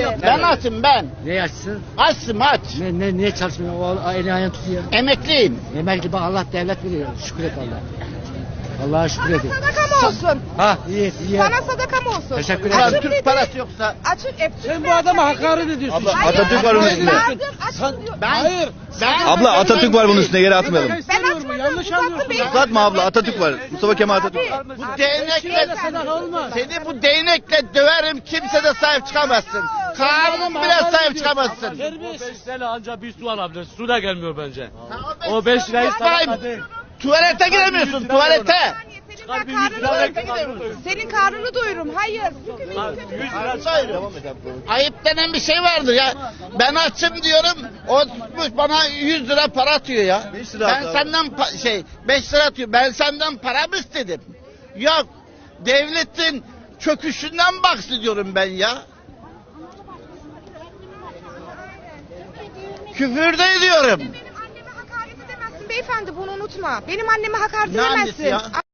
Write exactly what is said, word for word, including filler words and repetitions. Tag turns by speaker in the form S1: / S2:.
S1: Abi,
S2: Ben açım ben.
S3: Ne açsın?
S2: Açsın aç.
S3: Ne, ne, niye çalışmıyor? O eli ayağını tutuyor.
S2: Emekliyim.
S3: Emekli bak Allah devlet veriyor. Şükür et Allah. Allah'a şükür edin.
S1: Sadaka mı olsun?
S3: Ha iyi iyi.
S1: Sana sadaka mı olsun?
S3: Teşekkür
S2: Ulan
S3: ederim.
S2: Türk parası yoksa.
S1: Açık hep
S4: Sen bu adama hakaret ediyorsun.
S5: Abla,
S1: Hayır,
S5: Atatürk var bunun
S1: hayır,
S5: üstünde.
S1: lazım, açın diyor.
S2: Ben,
S4: Hayır.
S2: Ben,
S5: Abla Atatürk var bunun üstünde, yere atmayalım.
S1: Ben
S4: İstemiyorum,
S1: açmadım.
S4: yanlış
S1: uzattım
S4: anlıyorsun.
S1: beyefendi.
S5: Uzatma abla, Atatürk var. Mustafa Kemal Atatürk var.
S1: Abi,
S2: bu
S1: abi,
S2: değnekle
S4: sadaka olmaz.
S2: seni bu değnekle döverim, kimse de sahip çıkamazsın. Kanun bile sahip çıkamazsın.
S6: O beş sene anca bir su alabilir. Su da gelmiyor bence.
S2: O
S6: O beş lirayı
S2: İsmail,
S6: sadaka değil.
S2: tuvalete giremiyorsun, tuvalete.
S1: Senin
S6: Çıkar bir
S1: ben
S6: yüz lira
S1: karnını
S6: ver,
S1: doyurum.
S6: karnını
S1: Senin karnını doyurum. Hayır.
S6: yüz lira çıkar.
S2: Ayıp denen bir şey vardır ya. Ben açım diyorum, o tutmuş bana yüz lira para atıyor ya.
S5: beş lira
S2: Ben
S5: at abi.
S2: senden pa- şey beş lira atıyor. Ben senden para mı istedim? Yok. Devletin çöküşünden bahsediyorum ben ya. Küfür de ediyorum.
S1: Benim anneme hakaret edemezsin beyefendi, bunu unutma. Benim anneme hakaret
S2: Ne annesi
S1: edemezsin.
S2: ya?